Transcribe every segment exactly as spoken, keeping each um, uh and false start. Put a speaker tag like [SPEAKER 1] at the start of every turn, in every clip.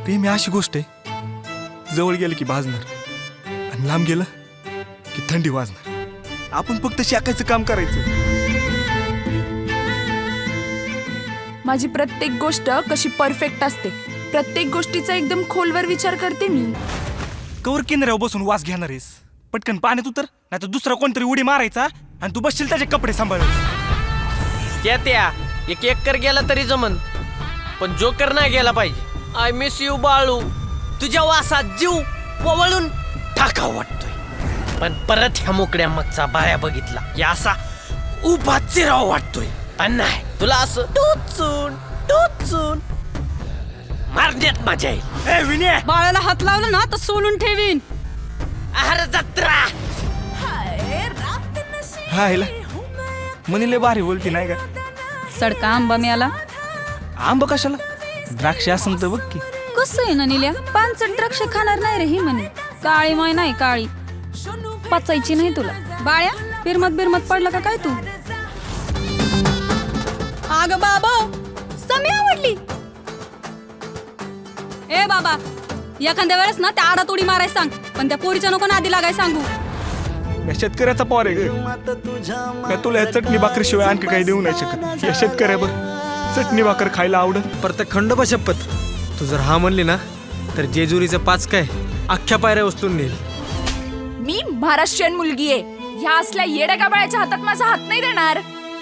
[SPEAKER 1] प्रेम ही अशी गोष्ट आहे, जवळ गेलं की भाजणार आणि लांब गेलं की थंडी वाजणार. आपण फक्त शाकायचं काम करायचं.
[SPEAKER 2] माझी प्रत्येक गोष्ट कशी परफेक्ट असते, प्रत्येक गोष्टीचा एकदम खोलवर विचार करते मी.
[SPEAKER 1] कवर किनाऱ्यावर बसून वास घेणार आहेस? पटकन पाण्यात उतर, नाही तर दुसरा कोणतरी उडी मारायचा आणि तू बसशील त्याचे कपडे सांभाळायचे.
[SPEAKER 3] त्या त्या एक एकर गेला तरी जमन, पण जोकर नाही गेला पाहिजे. I miss you Balu. तुझ्या वासात जीव वळून टाका वाटतोय, पण परत ह्या मोकड्या मागचा बाया बघितला की असा उभा चिराव वाटतोय. पण नाही, तुला असं टोचून टोचून मारण्यात मजा येईल.
[SPEAKER 1] ए विनय,
[SPEAKER 4] बाळाला हात लावला ना तर सोलून ठेवीन.
[SPEAKER 3] आहार जत्रा.
[SPEAKER 1] हा हिला म्हणले भारी बोलती नाही का?
[SPEAKER 4] सडका आंबा मिळाला.
[SPEAKER 1] आंब कशाला? द्राक्ष असं तर बघ की.
[SPEAKER 4] कसं आहे ना निल्या, पानसट द्राक्ष खाणार नाही रे ही म्हणे. काळी माय नाही काळी, पचायची नाही तुला. बाळ्या बिरमत बिरमत पडला का काय तू? अग बाबा समी आवडली. ए बाबा, एखाद्या वेळेस ना त्या आडात उडी मारायला सांग, पण त्या पोरीच्या नको नादी लागाय सांगू.
[SPEAKER 1] या शेतकऱ्याचा पॉर आहे ग. मी तुला या चटणी भाकरीशिवाय आणखी काही देऊ नाही शकत. या शेतकऱ्यावर चटणी भाकर खायला आवडत.
[SPEAKER 5] परत खंडोबा शपथ, तू जर हा म्हणली ना तर जेजुरीचं पाच काय अख्ख्या पायऱ्या उचलून नेल.
[SPEAKER 2] मी महाराष्ट्रीयन मुलगी आहे, ह्या असल्या येड्या गाबाळ्याच्या हातात माझा हात नाही देणार.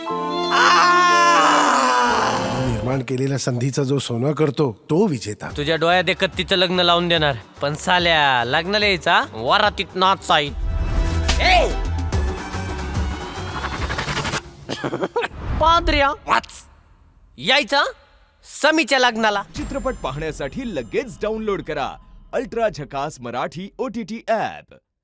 [SPEAKER 6] निर्माण केलेल्या संधीचा जो सोनं करतो तो विजेता.
[SPEAKER 3] तुझ्या डोळ्यात देखत तिचं लग्न लावून देणार, पण साल्या लग्नाला यायचा वरातीत नाच साईत. पादऱ्या वाच यायचा समीच्या लग्नाला.
[SPEAKER 7] चित्रपट पाहण्यासाठी लगेच डाउनलोड करा अल्ट्रा झकास Marathi O T T app.